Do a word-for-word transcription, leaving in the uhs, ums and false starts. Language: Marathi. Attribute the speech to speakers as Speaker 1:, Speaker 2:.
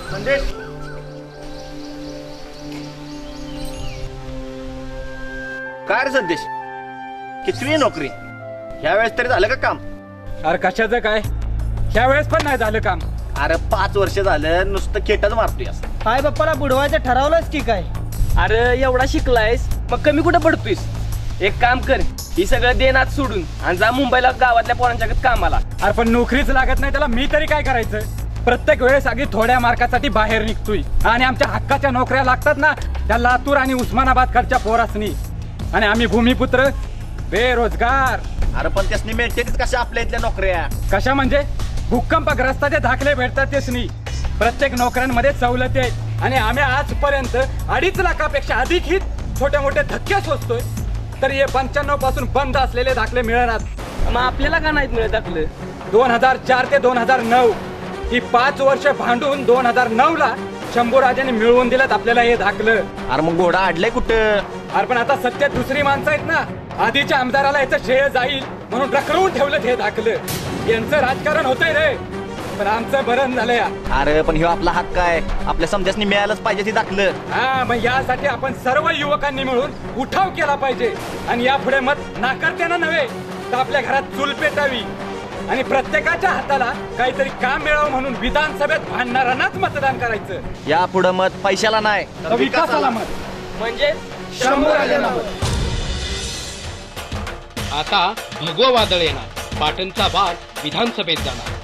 Speaker 1: संदेश काय रे संदेश कितवी नोकरी ह्या वेळेस तरी झालं का काम?
Speaker 2: अरे कशाचं काय ह्या वेळेस पण नाही झालं काम.
Speaker 1: अरे पाच वर्ष झालं नुसतं खेटच मारतोय.
Speaker 3: काय बाप्पाला बुडवायचं ठरवलंच की काय?
Speaker 4: अरे एवढा शिकलायस मग कमी कुठं पडतोयस? एक काम कर, ही सगळं देनात सोडून आणि जा मुंबईला गावातल्या पोरांच्याकडे कामाला.
Speaker 2: अरे पण नोकरीच लागत नाही त्याला मी तरी काय करायचं? प्रत्येक वेळेस अगदी थोड्या मार्कासाठी बाहेर निघतोय आणि आमच्या हक्काच्या नोकऱ्या लागतात ना त्या लातूर आणि उस्मानाबादकडच्या पोरासनी, आणि आम्ही भूमिपुत्र बेरोजगार.
Speaker 1: अरे पण त्यासनी मिळतेच कशा आपल्या इथल्या नोकऱ्या?
Speaker 2: कशा म्हणजे भूकंपग्रस्ताचे दाखले भेटतात त्यासनी. प्रत्येक नोकऱ्यांमध्ये सवलती आहेत आणि आम्ही आजपर्यंत अडीच लाखापेक्षा अधिक ही छोटे मोठे धक्के सोसतोय, तर हे पंच्याण्णव पासून बंद असलेले दाखले मिळणार.
Speaker 4: मग आपल्याला का नाहीत मिळत दाखलं?
Speaker 2: दोन हजार चार ते दोन हजार नऊ ही पाच वर्ष भांडून दोन हजार नऊ ला शंभूराजांनी मिळवून दिलं आपल्याला हे दाखलं.
Speaker 1: अरे मग घोडा अडलाय कुठं?
Speaker 2: अरे पण आता सत्य दुसरी माणसं आहेत ना, आधीच्या आमदाराला याचं श्रेय जाईल म्हणून रखडवून ठेवलं हे दाखलं. यांचं राजकारण होतंय रे, पण आमचं बरं झालंय.
Speaker 1: अरे पण ह्यो आपला हक्क आहे, आपल्या समजासनी मिळायलाच पाहिजे ती दाखलं.
Speaker 2: हा मग यासाठी आपण सर्व युवकांनी मिळून उठाव केला पाहिजे आणि यापुढे मत नाकारत्याना नव्हे तर आपल्या घरात चूल पेटावी आणि प्रत्येकाच्या हाताला काहीतरी काम मिळावं म्हणून विधानसभेत भांडणाऱ्यांनाच मतदान करायचं.
Speaker 1: या पुढं मत पैशाला नाही
Speaker 2: तर विकासाला मत.
Speaker 4: म्हणजे
Speaker 2: शंभूराजांना मत.
Speaker 5: आता भगवं वादळ येणार, पाटणचा वाद विधानसभेत जाणार.